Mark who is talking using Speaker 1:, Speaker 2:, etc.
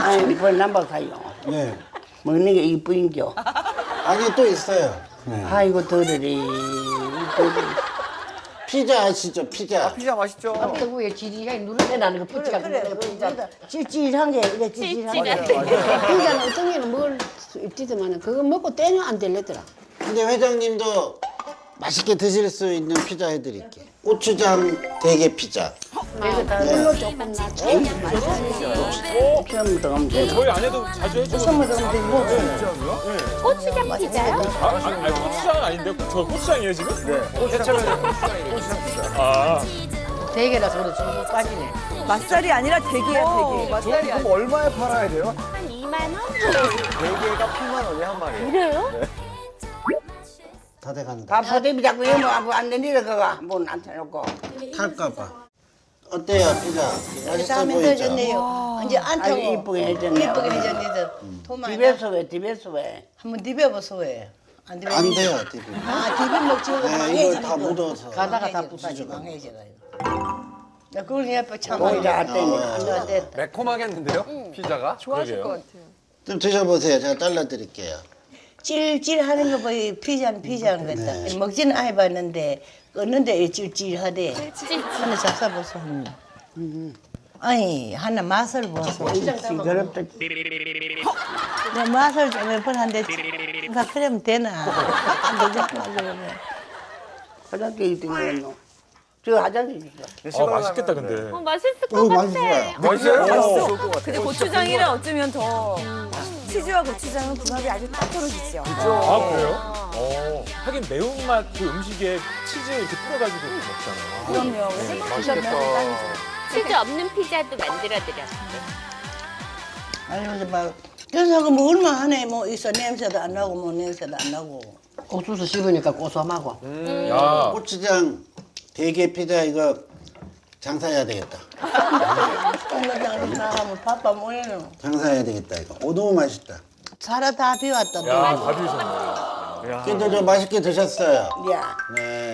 Speaker 1: 아니, 뭘 남박하요.
Speaker 2: 네.
Speaker 1: 먹는 게 이쁘인겨.
Speaker 2: 아니 또 있어요. 네.
Speaker 1: 아이고, 더러리.
Speaker 2: 피자 아시죠? 피자.
Speaker 3: 피자 맛있죠?
Speaker 4: 뜨구에 지리하게 누르내라는 거 피자가
Speaker 5: 그래,
Speaker 4: 피자 찔찔한 게 이래 찔찔한 게
Speaker 5: 찔찔한
Speaker 4: 피자는 어떤 게는 먹을 수 있지만 그거 먹고 떼면 안 될래더라.
Speaker 2: 근데 회장님도 맛있게 드실 수 있는 피자 해드릴게. 고추장 대게 피자.
Speaker 4: 이거 다 물로 조금 놔줘.
Speaker 1: 처음부터 가면 돼.
Speaker 6: 저희 아내도 자주 해주거든요.
Speaker 4: 처음부터 가면 되고
Speaker 5: 고추장 피자요?
Speaker 6: 아니, 고추장은 아닌데? 저 고추장이에요, 지금? 네.
Speaker 4: 대게라서 그래 좀 빠지네.
Speaker 5: 맛살이 아니라 대게야, 대게.
Speaker 3: 맛살이 그럼 얼마에 팔아야 돼요?
Speaker 5: 한 2만 원?
Speaker 3: 4개가 8만 원이 한 마리.
Speaker 5: 그래요?
Speaker 2: 다 돼간다.
Speaker 1: 다 포대비 자꾸 이러면 안 되니라, 그거. 한번 앉혀놓고.
Speaker 2: 탈까봐. 어때요 피자? 맛있어
Speaker 5: 다음에
Speaker 2: 보이죠?
Speaker 5: 해줬네요. 이제 안
Speaker 1: 아이고,
Speaker 5: 타고.
Speaker 1: 이쁘게 해줬네.
Speaker 5: 이쁘게 해줬네. 도마.
Speaker 1: 집에서 왜, 집에서 왜.
Speaker 5: 한번 디벼보소 왜. 안 디벼.
Speaker 2: 안 돼요 디비.
Speaker 5: 아, 디벼 먹지.
Speaker 2: 네, 이거 다 묻어서.
Speaker 4: 가다가 다 부사지고.
Speaker 5: 망해져가 나 그걸 해봐 참.
Speaker 1: 오히려 안 되니.
Speaker 5: 안 돼.
Speaker 3: 매콤하겠는데요? 피자가?
Speaker 6: 좋아하실 것 같아요.
Speaker 2: 좀 드셔보세요. 제가 잘라드릴게요.
Speaker 5: 찔찔하는 거 보이 피자는 피자는 같다.
Speaker 2: 네.
Speaker 5: 먹지는 안 해봤는데 껐는데 찔찔하대. 하나 잡숴보소. 아니 하나 맛을 보소.
Speaker 1: 시끄럽다.
Speaker 5: 내 맛을 좀 몇 번 한데 다 그러면 되나? 안 되잖아 그러면.
Speaker 1: 화장실 1등이었노. 저 화장실 있어.
Speaker 6: 맛있겠다, 근데.
Speaker 7: 맛있을 것 같아.
Speaker 2: 맛있어요.
Speaker 3: 맛있어요?
Speaker 7: 근데 고추장이랑 어쩌면 더 치즈와 고추장은 궁합이 아주 딱 떨어지죠.
Speaker 6: 아, 그래요? 하긴 매운맛 그 음식에 치즈 이렇게 뿌려가지고 먹잖아요.
Speaker 7: 그럼요.
Speaker 3: 맛있겠다.
Speaker 7: 치즈 없는 피자도 만들어드렸어요.
Speaker 5: 아니 근데 막 그래서 뭐 얼마 하네 뭐 있어 냄새도 안 나고 뭐 냄새도 안 나고.
Speaker 4: 옥수수 씹으니까 고소하고.
Speaker 6: 야,
Speaker 2: 고추장 대게 피자 이거 장사해야 되겠다.
Speaker 5: 똥장으로 나가면 바빠 뭐해는.
Speaker 2: 장사해야 되겠다 이거. 오 너무 맛있다.
Speaker 5: 살아 다 비웠다. 또.
Speaker 6: 다 비우셨네.
Speaker 2: 근데 저 맛있게 드셨어요.
Speaker 1: 야.
Speaker 2: 네.